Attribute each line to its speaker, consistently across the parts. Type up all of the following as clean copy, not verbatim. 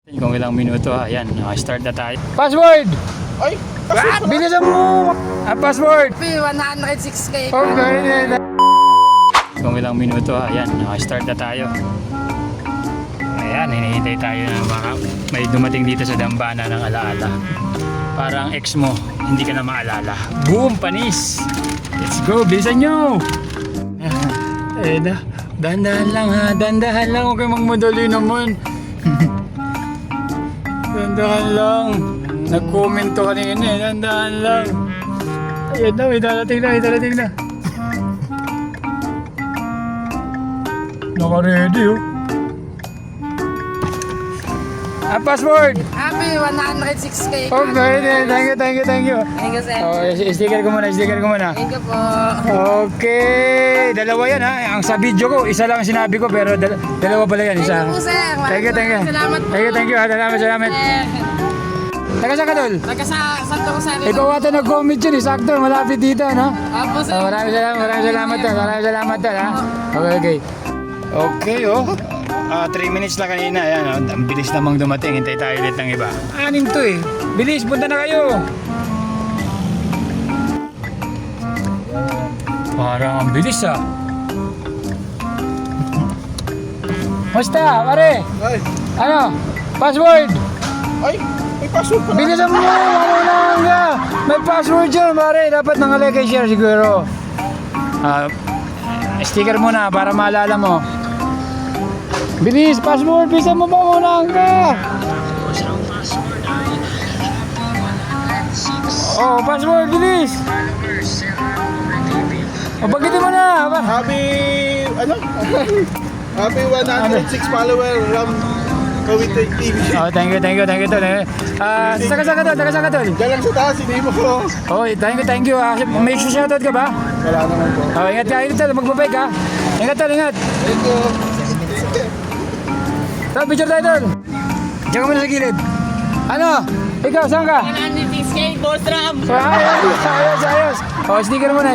Speaker 1: Kung ilang minuto, ayan, start na tayo. Password!
Speaker 2: Ay!
Speaker 1: What? Bilisan mo! Password!
Speaker 3: 106k.
Speaker 1: Okay. Kung ilang minuto, ayan, start na tayo. Ayan, hinihintay tayo na baka may dumating dito sa dambana ng alaala. Parang ex mo, hindi ka na maalala. Boom! Panis! Let's go! Bilisan nyo! Dandahan lang ha, dandahan lang. Huwag kayong magmadali naman. Dandahan lang. Nag-comment to kanina eh, dandahan lang. Ayan na, may darating na. Naka-ready oh. Password!
Speaker 3: Happy 106k.
Speaker 1: Okay, thank you.
Speaker 3: Thank you, sir.
Speaker 1: Oh, sticker ko muna.
Speaker 3: Thank you po.
Speaker 1: Okay, dalawa yan ha. Ang sa video ko, isa lang ang sinabi ko pero dalawa pala yan. Isa.
Speaker 3: Thank you po, sir.
Speaker 1: Thank you.
Speaker 3: Salamat po.
Speaker 1: Thank you. Salamat. Taga sa Kadol?
Speaker 3: Taga sa Santo Rosario.
Speaker 1: Ikaw ata nag-comment yun, sakto, malapit dito, no?
Speaker 3: Opo, sir.
Speaker 1: Maraming salamat tol, ha? Okay, oh. 3 minutes na kanina, ayan, oh. Ang bilis namang dumating, hintay tayo ulit ng iba. 6 to eh. Bilis, punta na kayo. Parang ang bilis ah. Basta, pare.
Speaker 2: Ay!
Speaker 1: Ano? Password.
Speaker 2: Ay! May password pala!
Speaker 1: Bilisan mo, mamunahan ka. May password dyan, pare. Dapat nangalay kay share siguro. Sticker muna para maalala mo. Bilis, password. Bilisan mo, mamunahan ka. Oh, password, bilis. O, bagitin mo na.
Speaker 2: Happy... ano? Happy 106 follower Ram Kawit TV.
Speaker 1: Oh, thank you tol. Taga sa Kadol.
Speaker 2: Diyan lang sa taas, hindi mo ko.
Speaker 1: Oh, thank you. May shoutout ka ba?
Speaker 2: Wala naman po.
Speaker 1: Oh, ingat ka, tol. Magbabay ka. Ingat tol.
Speaker 2: Thank you.
Speaker 1: Tol, picture tayo tol. Diyan ka muna sa gilid. Ano? Ikaw, saan ka?
Speaker 3: 106k, Boss Ram.
Speaker 1: Ayos. Oh, sticker muna.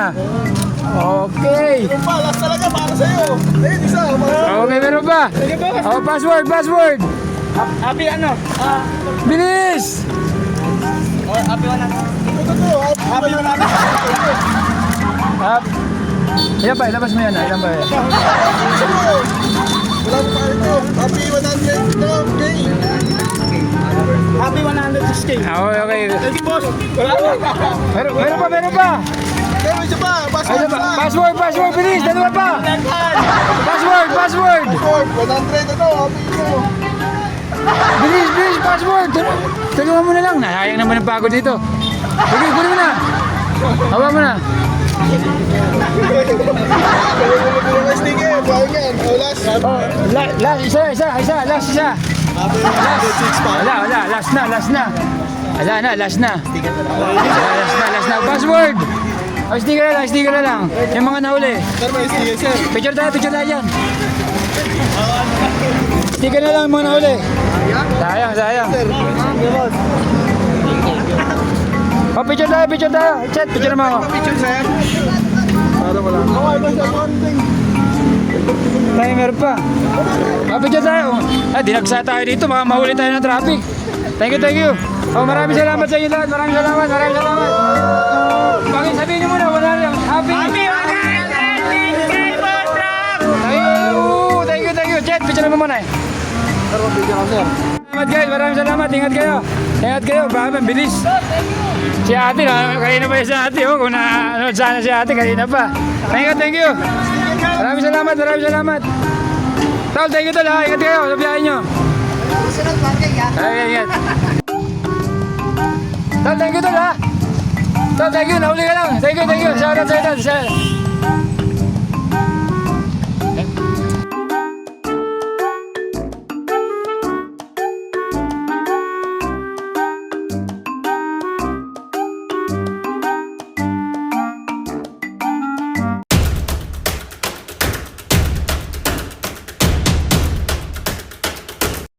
Speaker 1: Okay.
Speaker 2: Meron pa, last talaga para sa'yo. Ayun, isa.
Speaker 1: Oh, may meron pa. Oh, password.
Speaker 3: Happy ano?
Speaker 1: Bilis!
Speaker 3: Happy 100.
Speaker 2: Ito to. Happy 106.
Speaker 1: Ilan pa, ilabas mo yan. Ilan pa yan?
Speaker 2: Wala mo pa ito. Happy 100 to. Okay. Happy 106k.
Speaker 1: Okay.
Speaker 2: Thank you, boss. Wala mo.
Speaker 1: Meron pa.
Speaker 2: Pero isa pa.
Speaker 1: Password, bilis. Dalawa pa. Password.
Speaker 2: 100 ano. Happy ko.
Speaker 1: Bilis, password. Tulungan mo na lang. Nasayang naman ang pagod dito. Sige, kunin mo na. Hawa mo na.
Speaker 2: Sticker. Parang yan. Last.
Speaker 1: Last, isa.
Speaker 2: Happy 106 pa.
Speaker 1: Wala. Last na. Last na. Password. Oh, sticker na lang. Yung mga nahuli.
Speaker 2: Sir, may sticker, sir.
Speaker 1: Picture tayo dyan. Sticker na lang yung mga nahuli. Sayang.
Speaker 2: Sir.
Speaker 1: Oh, picture tayo. Chat, picture naman ako.
Speaker 2: Picture, sir. Para wala. Okay, basta konting.
Speaker 1: Tayo, meron pa. Oh, picture tayo. Dinagsa tayo dito. Baka mahuli tayo ng traffic. Thank you. Oh, maraming salamat sa inyo lahat. Maraming salamat. Bakit sabihin nyo muna, wala lang. Happy
Speaker 3: 106k, Boss Ram.
Speaker 1: Thank you. Chat, picture naman muna eh.
Speaker 2: Sir, picture ako, sir.
Speaker 1: Salamat guys, maraming salamat. Ingat kayo. Baka bilis. Si ate, kanina pa yung si ate. Kung na sana si ate, kanina pa. Thank you. Maraming salamat. Tol, thank you tol ha. Ingat kayo sa biyahe nyo.
Speaker 3: Sunod parking ha.
Speaker 1: Ingat. Tol, thank you tol ha. Tol, thank you. Nahuli ka lang. Thank you. Shoutout sa ito.